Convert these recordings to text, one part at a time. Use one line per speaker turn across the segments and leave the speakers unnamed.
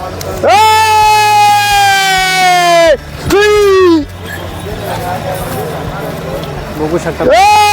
बघू शकता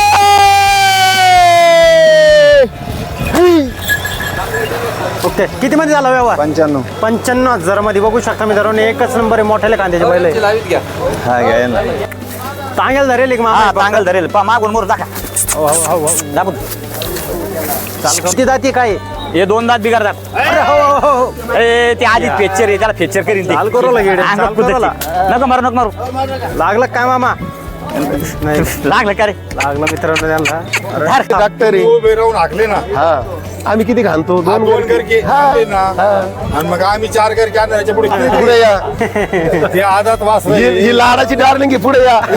ओके. किती मध्ये झाला व्यवहार? 95,000 मध्ये. बघू शकता मित्रांनो एकच नंबर आहे मोठ्याले कांद्याचे बैल आहे.
हा घ्या ना.
तांगेल धरेल एक मामा.
चांगल धरेल मागून मोर दाखा.
हो हो हो
दाबून.
किती जाती काय?
हे 2 दात बिगाडतात.
अरे हो हो हो.
ए ते आधी फेक्चर आहे त्याला फेक्चर करीन ते.
चाल करू लागेल.
नको मारू नको मारू.
लागलं काय मामा? नाही
लागलं का रे?
लागलं मित्रांनो त्यांना.
डॉक्टर उभे राहून हाकले ना.
आम्ही किती घालतो?
2 करके आणले ना. आणि मग आम्ही 4 करके आणले. याच्या पुढे
पुढे या.
ते आदात वास
ही लाडाची डार्लिंग आहे, पुढे या.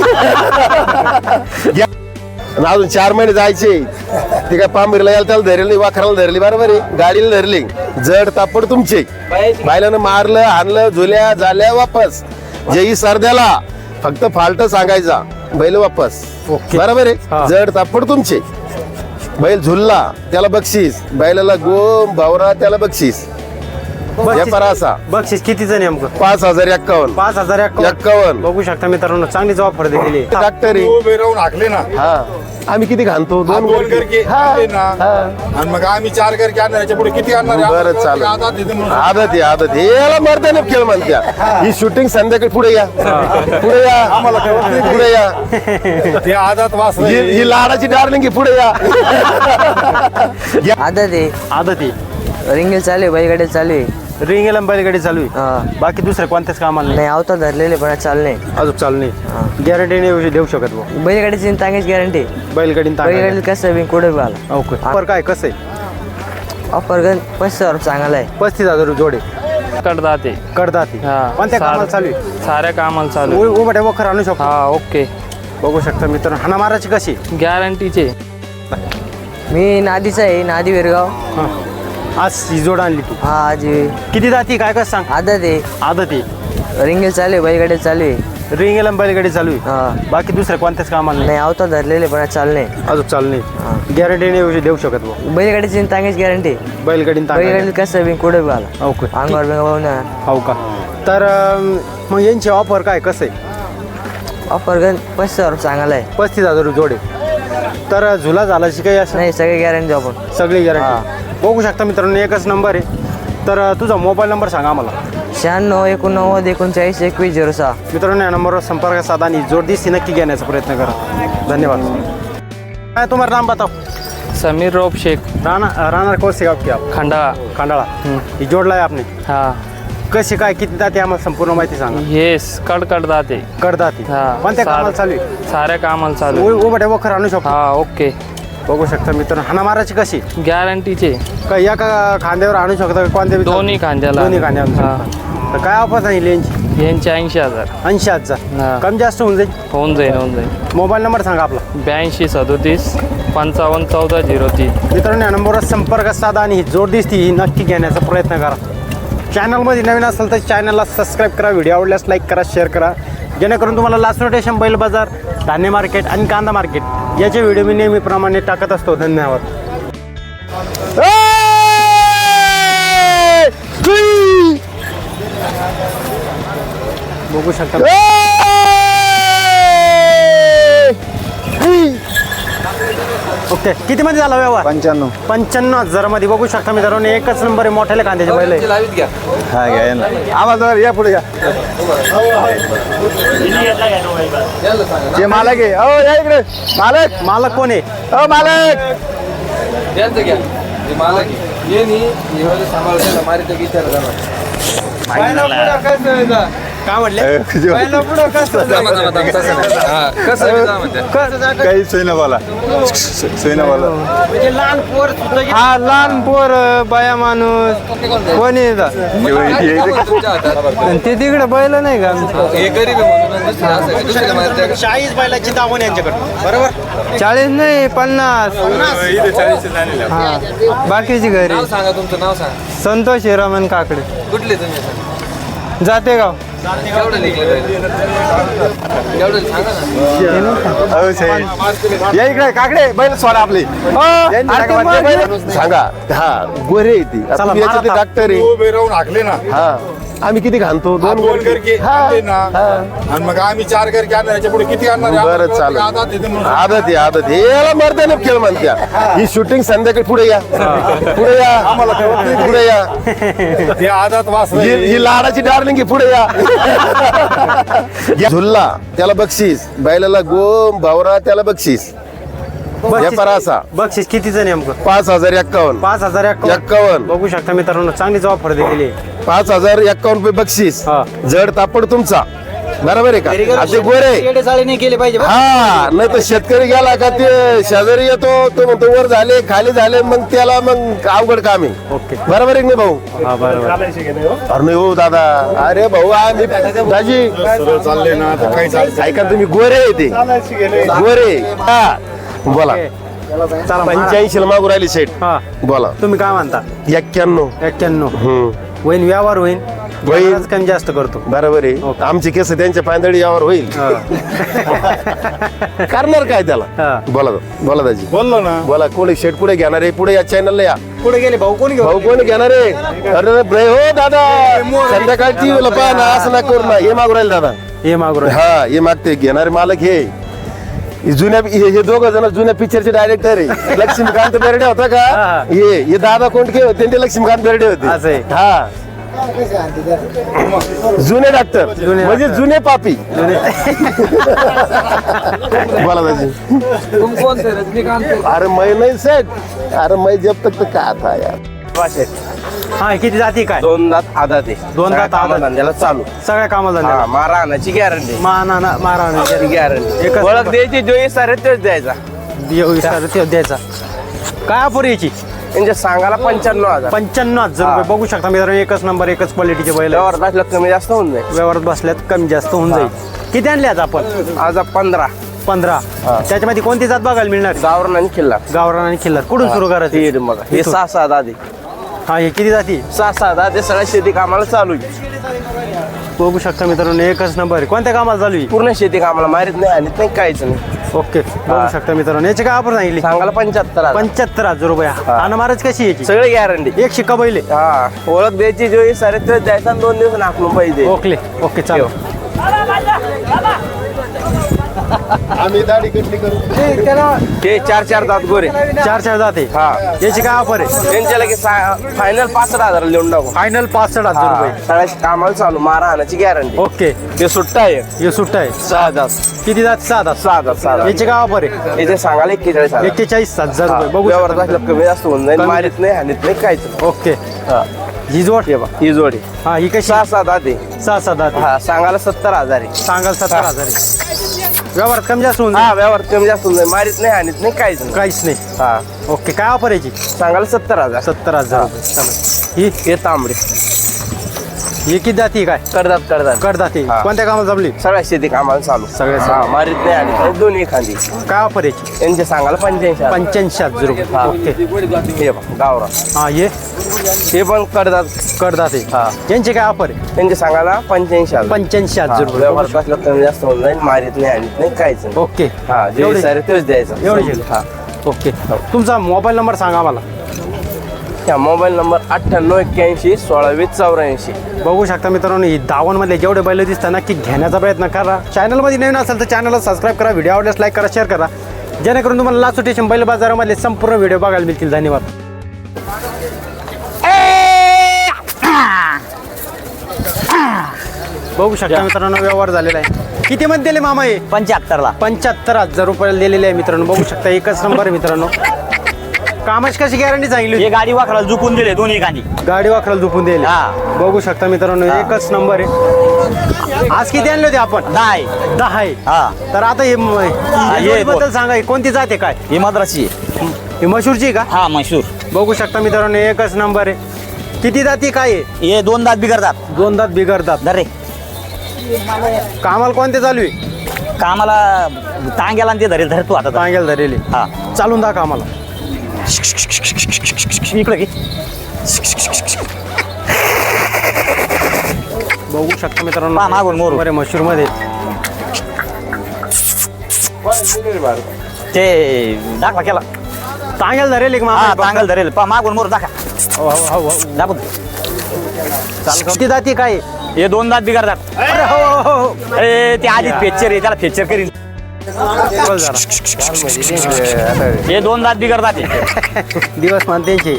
आणि अजून 4 महिने जायचे. ते काय पांबिरला यायला त्याला धरली नाही, वाखराला धरली, बरोबर आहे, गाडीला धरली. जड तापड तुमचे. बायलानं मारलं, आणलं, झुल्या झाल्या वापस. जेही सरद्याला फक्त फाल्ट सांगायचा, बैल वापस. बरोबर आहे. जड तापड तुमचे. बैल झुलला त्याला बक्षीस, बैलाला गोम भावरा त्याला बक्षीस. व्यापार असा.
बक्षीस कितीचं नेमकं?
5,051.
5,051. बघू शकता मित्रांनो चांगलीच ऑफर दिलेली.
डॉक्टर
उभे राहून हाकले ना.
आम्ही किती घालतो?
2 करके आणले ना. आणि मग आम्ही 4 करके आणले. याच्या पुढे किती आणणार?
बरं चालेल. आदत आहे आदत आहे. याला मरते ना खेळ म्हणत्या. ही शूटिंग संध्याकाळी पुढे या. पुढे या. आम्हाला पुढे या.
ते आदात वास
ही लाडाची डार्लिंग आहे, पुढे या.
आदत आहे.
रिंगल चालू आहे, बैलगाडी चालू आहे.
रिंगेला बैलगाडी चालू आहे. बाकी दुसरे कोणत्याच कामाला
नाही आवता धरलेले पण चालू नाही.
अजून चालू नाही. गॅरंटी नाही देऊ शकत भाऊ.
बैलगाडीची तांगेच गॅरंटी.
बैलगाडी
बैलगाडी कसं बी कुठे बी आला.
ओके. ऑफर काय कसं आहे?
ऑफर गण 35,000 चांगला आहे.
35,000 जोडे.
कडदाते
कडदाती. कोणत्या कामाला चालू आहे?
साऱ्या कामाला चालू आहे.
उभ्या वखर आणू शकतो.
हा ओके.
बघू शकता मित्रांनो हाना माराची कशी
गॅरंटीचे.
मी नादीचा आहे, नादी विरगाव.
आज ही जोड आणली तू?
हा आज
किती जाती काय कसं सांग?
आदत आहे.
आदत आहे.
रिंगल चालू आहे, बैलगाडी चालू आहे.
रिंगेला बैलगाडी चालू आहे. बाकी दुसरे कोणत्याच कामाला
नाही आवता धरलेले पण चालू नाही.
अजून चालू नाही. गॅरंटी नाही देऊ शकत भाऊ.
बैलगाडीची तांगेच गॅरंटी.
बैलगाडी
बैलगाडी कसं बी कुठे बी आला.
ओके.
अंगावर बिंगावर
हो का. तर मग यांची ऑफर काय कसं आहे?
ऑफर गण 35,000 चांगला आहे.
35,000 जोडे. तर झुला झालाची काही असं
नाही सगळे गॅरंटी आपण.
सगळी गॅरंटी. बघू शकता मित्रांनो एकच नंबर आहे. तर तुझा मोबाईल नंबर सांगा आम्हाला.
96 89 39 21 06.
मित्रांनो या नंबरवर संपर्क साधा आणि जोड दिसती नक्की घेण्याचा प्रयत्न करा. धन्यवाद. काय तुम्हाला नाम बताओ?
समीर रोप शेख
राहणार कौन से गाव की आप?
खंडाळा.
खंडाळा. ही जोडला आहे आपने.
हा.
कशी काय किती जाते आम्हाला संपूर्ण माहिती सांगा.
येस कडदाते.
कडदाती. कोणत्या कामाला चालू आहे?
साऱ्या कामाला चालू आहे.
उभ्या वखर आणू शकतो.
हा ओके.
बघू शकता मित्रांनो हाना माराची कशी?
गॅरंटीचे.
काय एका खांद्यावर आणू शकता? कोणत्या
दोन्ही खांद्याला.
दोन्ही खांद्यावर आणू शकता. तर काय ऑफर सांगितली यांची?
यांचे 80,000.
80,000. कमी जास्त होऊन जाईल.
होऊन जाईल.
मोबाईल नंबर सांगा आपला.
82 37 55 14 03.
मित्रांनो या नंबरवर संपर्क साधा आणि ही जोड दिसती ही नक्की घेण्याचा प्रयत्न करा. चॅनलमध्ये नवीन असेल तर चॅनलला सबस्क्राईब करा. व्हिडिओ आवडल्यास लाईक करा, शेअर करा, जेणेकरून तुम्हाला लास्ट रोटेशन बैल बाजार, धान्य मार्केट आणि कांदा मार्केट याचे व्हिडिओ मी नेहमीप्रमाणे टाकत असतो. धन्यवाद. बघू शकता ओके. किती मध्ये झाला व्यवहार? 95,000 मध्ये. बघू शकता मित्रांनो एकच नंबर आहे मोठ्याले कांद्याचे बैल आहे.
हा घ्या ना.
आवाज या पुढे या. जे मालक आहे हो या इकडे. मालक
मालक कोण आहे?
हो मालक.
काय म्हटले?
काही सोयना बोला. सोयना बोला.
म्हणजे लहान पोर
हा लहान पोर बाया माणूस कोणी ते तिकडे बैल नाही का?
40 बैलाची दावण यांच्याकडे. बरोबर.
40 नाही 50. बाकीची घरी.
सांगा तुमचं नाव सांगा.
संतोष हिरामन काकडे.
कुठले तुम्ही?
जातेगाव.
या इकडे काकडे बैल सोडा आपली
सांगा हा गोरे आहे ती
चला,
तुम्ही याच्यातले
मारा
डॉक्टर आहे
उभे राहून हाकले ना
हा आम्ही किती घालतो दोन
दोन
गोरे
करके आणले ना आणि मग आम्ही 4 करके आणणार याच्या पुढे किती आणणार आहे?
बरं
आदत
चालेल
येते म्हणून.
आदत आहे याला मर्दाने खेळ म्हणत्या ही शूटिंग संध्याकाळी पुढे या पुढे या पुढे या
ते आदत वास
ही लाडाची डार्लिंग आहे पुढे या झुल्ला त्याला बक्षीस बैलाला गोम भावरा त्याला बक्षीस व्यापार असा
बक्षीस कितीचं नेमकं
5,051
5,051 बघू शकता मित्रांनो चांगलीच ऑफर दिलेली आहे
5,051 रुपये बक्षीस
हा.
जड तापड तुमचा बरोबर आहे का असे गोरे
नाही केले पाहिजे
हा नाही तर शेतकरी गेला का ते शेजारी येतो तो म्हणतो वर झाले खाली झाले मग त्याला मग अवघड काम आहे
ओके
बरोबर आहे की नाही भाऊ
हा बरोबर
अरे नाही हो दादा अरे भाऊ आम्ही दाजी
सरळ चालले ना तर काही चालत
ऐका तुम्ही गोरे आहे ते गोरे हा बोला
चला
85 ला मागू राहिली सेट
हा
बोला
तुम्ही काय म्हणता
91
91 होईन व्यवहार होईन
होईल.
व्यवहारच कमी जास्त करतो
बरोबर आहे
ओके.
आमची केस त्यांच्या पांदळी यावर होईल करणार काय
हा.
त्याला बोला बोला दाजी
बोललो ना
बोला कोणी शेट पुढे घेणार आहे पुढे या चॅनलला या
पुढे गेले भाऊ कोणी
भाऊ कोणी घेणार आहे अरे नाही हो दादा संध्याकाळची लपा ना असं ना करू ना हे मागू राहील दादा
हे मागू
हा हे मागते घेणारे मालक हे जुन्या हे दोघं जण जुन्या पिक्चरचे डायरेक्टर आहे लक्ष्मीकांत बेर्डे होता का
हा.
हे दादा कोंडके होते आणि ते लक्ष्मीकांत बेर्डे
असं आहे.
होते हा जुने डॉक्टर
जुने
म्हणजे
डॉक्टर.
जुने पापी बोला दाजी
तुम कोण से रजनीकांत
अरे मैं नहीं सेट अरे मैं जब तक तो क्या था यार
हा किती जाती काय
दोन दात आदात आहे
दोन दात
सगळ्या
आदात.
धंद्याला चालू
सगळ्या कामाला
हा
जाणार.
मारा आणायची गॅरंटी
माना मारा
गॅरंटी
एकच
ओळख
नंबर.
द्यायची जो सारे तेच द्यायचा
ते द्यायचा काय ऑफर याची
त्यांच्या सांगायला 95,000
95,000 रुपये बघू शकता मित्रांनो एकच नंबर एकच क्वालिटीचे बैल आहे.
व्यवहार असलं कमी जास्त होऊन जाईल
व्यवहारात बसल्यात कमी जास्त होऊन जाईल किती आणले आज आपण
आज 15
15 त्याच्यामध्ये कोणती जात बघायला मिळणार
गावरान आणि किल्ला
गावरान आणि खिल्लार कुठून सुरू करायचं
हे बघा हे
इथून.
6-6 दादी
हा हे किती जाती
6-6 दादी सगळ्या शेती कामाला चालू आहे
बघू शकता मित्रांनो एकच नंबर आहे. कोणत्या कामाला चालू आहे
पूर्ण शेती कामाला मारित नाही आणि नाही काहीच नाही
ओके बघू शकता मित्रांनो याची काय ऑफर सांगितली
सांगायला 75,000
75,000 रुपये आणि महाराज कशी याची
सगळे गॅरंटी
एक शिक्का बैल आहे.
हा ओळख द्यायची जो सारे तेच द्यायचा आणि 2 दिवस नाकलून पाहिजे
ओके ओके चालेल
आम्ही दाढी कटली करू
ते 4-4 दात गोरे
4 जाते
हा
याची काय ऑफर आहे
त्यांच्या लगे फायनल 65,000 लिहून टाकू
फायनल 65,000 रुपये
सगळ्या कामाला चालू मारा आणायची गॅरंटी
ओके
ते सुट्टा आहे
हे सुट्टा आहे
6 दात
किती जात 6
6,000
याची काय ऑफर आहे
याचे सांगायला 41,000
41,000 रुपये बघू
व्यवहार
शकता.
असलं कमी जास्त होऊन जाईल
कमी-
मारित नाही हानीत नाही काहीच नाही
ओके
हा.
ही जोड
हे बघ ही जोडी
हा ही कशी
6-6 दात आहे
6 जाते
हा सांगायला 70,000 आहे
सांगाल 17,000 आहे. व्यवहार कमी जास्त होऊन
हा
जाईल.
व्यवहार कमी जास्त होऊन जाईल मारित नाही हानीत नाही काहीच नाही
काहीच नाही
हा
ओके काय ऑफर याची
सांगायला 70,000
70,000 रुपये चालेल
हे तांबडे
ही किती जाती काय
करदात
कडदाती
हा.
कोणत्या कामाला जमली
सगळ्या शेती कामाला चालू
सगळ्या
हा मारित नाही आणि दोन्ही खांदी
काय ऑफर याची
यांचे सांगायला 85,000
85,000 रुपये
हा.
ओके
हे बघ गावरा
हा
हे पण करदात
कडदाते
हा.
यांची काय ऑफर आहे
त्यांचे सांगायला 85,000
85,000 रुपये
व्यवहार कसला कमी जास्त होऊन जाईल मारित नाही आणि नाही काहीच नाही
ओके
हा जे
एवढे
सारे तेच द्यायचं
एवढे
हा
ओके तुमचा मोबाईल नंबर सांगा मला
त्या मोबाईल नंबर 9881162084
बघू शकता मित्रांनो ही दावणमधले जेवढे बैल दिसतात नक्की घेण्याचा प्रयत्न करा चॅनलमध्ये नवीन असेल तर चॅनलला सबस्क्राईब करा व्हिडिओ आवडल्यास लाईक करा शेअर करा जेणेकरून तुम्हाला लास्ट स्टेशन बैल बाजारामधले संपूर्ण व्हिडिओ बघायला मिळतील धन्यवाद बघू शकता मित्रांनो व्यवहार झालेला आहे किती मध्ये दिले मामा हे
75ला
75,000 रुपयाला दिलेले आहे मित्रांनो बघू शकता एकच नंबर आहे मित्रांनो कामाची कशी गॅरंटी सांगितली होती?
हे गाडी वाकडाला झुकून दिले दोन्ही गाडी
गाडी वाखराला झोपून दिली
हा.
बघू शकता मित्रांनो एकच नंबर आहे आज किती आणले होते आपण 10 आहे
हा
तर आता हे
हे
बद्दल सांगा ही कोणती जाते काय
ही मद्रासी
ही मशूरची आहे का
हा मशहूर
बघू शकता मित्रांनो एकच नंबर आहे किती जाती काय आहे
हे 2 दात बिघडतात
2 दात बिघडतात
दरे
कामाला कोणते चालू आहे
कामाला टांग्याला ते धरेल धरतो आता
सांगेल धरेले
हा
चालून दाखवा आम्हाला
इकडे की
बघू बघू शकता मित्रांनो
पहा मागून मोरू.
बरे मशूर मध्ये
ते दाखवा केला.
चांगल धरेल एक
हा
मामा
चांगल धरेल. पहा मागून मोर दाखा.
हो, हो, हो.
दाखव.
किती जाती काय
हे 2 दात बिघडतात.
अरे हो, हो, हो.
अरे ते आधी फेच्चर आहे त्याला फेच्चर करीन.
बोल जरा.
हे 2 दात बिघडतात हे.
दिवस मान त्यांचे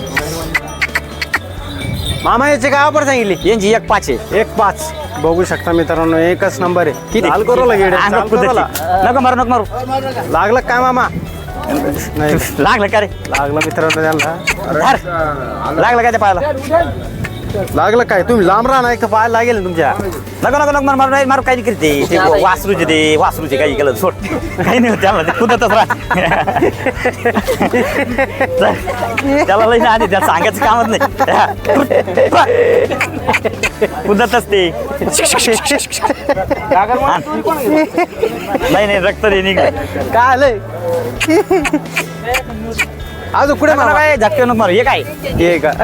मामा याचे काय ऑफर सांगितली
यांची 1.5 आहे.
1.5 बघू शकता मित्रांनो एकच नंबर आहे किती हाल करू लागेल
अंगात कुदरती. नको मारू नको मारू.
लागलं काय मामा नाही
लागलं का रे.
लागलं मित्रांनो त्यांना
धर. लागलं का ते पायाला.
लागलं काय तुम्ही लांब राहा ना एक तर पाहायला लागेल ना तुमच्या
नको नको नको मारू मारू नाही मारू. काही करते ते वासरूचे ते वासरूचे काही केलं सोड. काही नाही होत त्याला. ते कुदतच राहत. त्याला लई आधी त्याला सांगायचं कामच नाही. कुदतच ते. नाही नाही रक्त दे निघ.
काय आलंय अजून कुठे मामा
काय झटके नको मारू. हे काय
हे का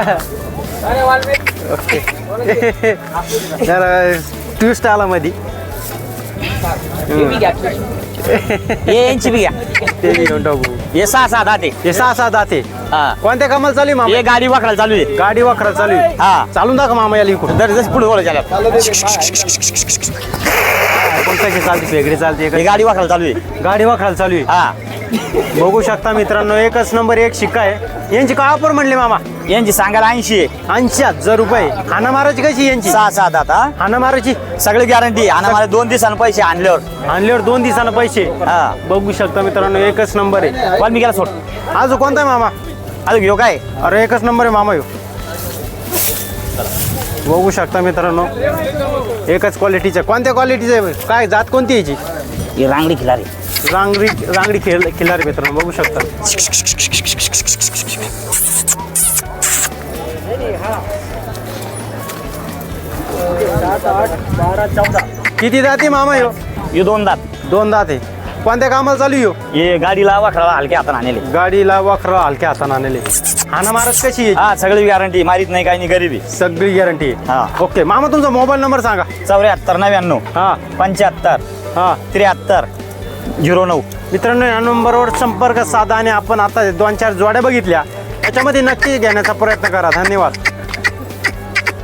ओके जरा ट्विस्ट आला मध्ये
हे यांची बी घ्या.
ते बी घेऊन टाकू
हे 6 दाते.
हे 6 दाते
हा
कोणत्या कामाला चालू आहे मामा
हे गाडी वाकडायला चालू आहे.
गाडी वाखरा चालू आहे
हा
चालून दाखव मामा याला इकडून
दर जस पुढे बोलायचं त्याला.
कोणत्या की चालते वेगळी चालते
हे गाडी वाकडायला चालू आहे.
गाडी वाखराला चालू आहे
हा
बघू शकता मित्रांनो एकच नंबर एक शिक्का आहे यांची काय ऑफर म्हणले मामा
यांची सांगायला 80 आहे.
80,000 रुपये हाना मारायची कशी यांची
6 दात. हा
हाना मारायची
सगळी गॅरंटी. आणि मला 2 दिवसांनी पैसे आणल्यावर.
आणल्यावर 2 दिवसानं पैसे
हा
बघू शकता मित्रांनो एकच नंबर आहे
वाल्मिकीला सोड.
अजून कोणता आहे मामा
अजून घेऊ काय.
अरे एकच नंबर आहे मामा ह्यो बघू शकता मित्रांनो एकच क्वालिटीचं कोणत्या क्वालिटीचं आहे काय जात कोणती याची
ही रांगडी खिलारी.
रांगडी खिलारी मित्रांनो बघू शकता किती जाते मामा ह्यो
हे 2 दात.
2 दात आहे कोणत्या कामाला चालू ह्यो
हे गाडीला वाकडाला हलक्या हाताने आणले.
गाडीला वाखरा हलक्या हाताने आणले हाना मारत कशी आहे
हा सगळी गॅरंटी. मारीत नाही काही नाही गरीबी.
सगळी गॅरंटी
हा.
आहे ओके मामा तुमचा मोबाईल नंबर सांगा
74 99
हा
75
हा
73 09.
मित्रांनो या नंबरवर संपर्क साधा आणि आपण आता 2-4 जोड्या बघितल्या त्याच्यामध्ये नक्की घेण्याचा प्रयत्न करा धन्यवाद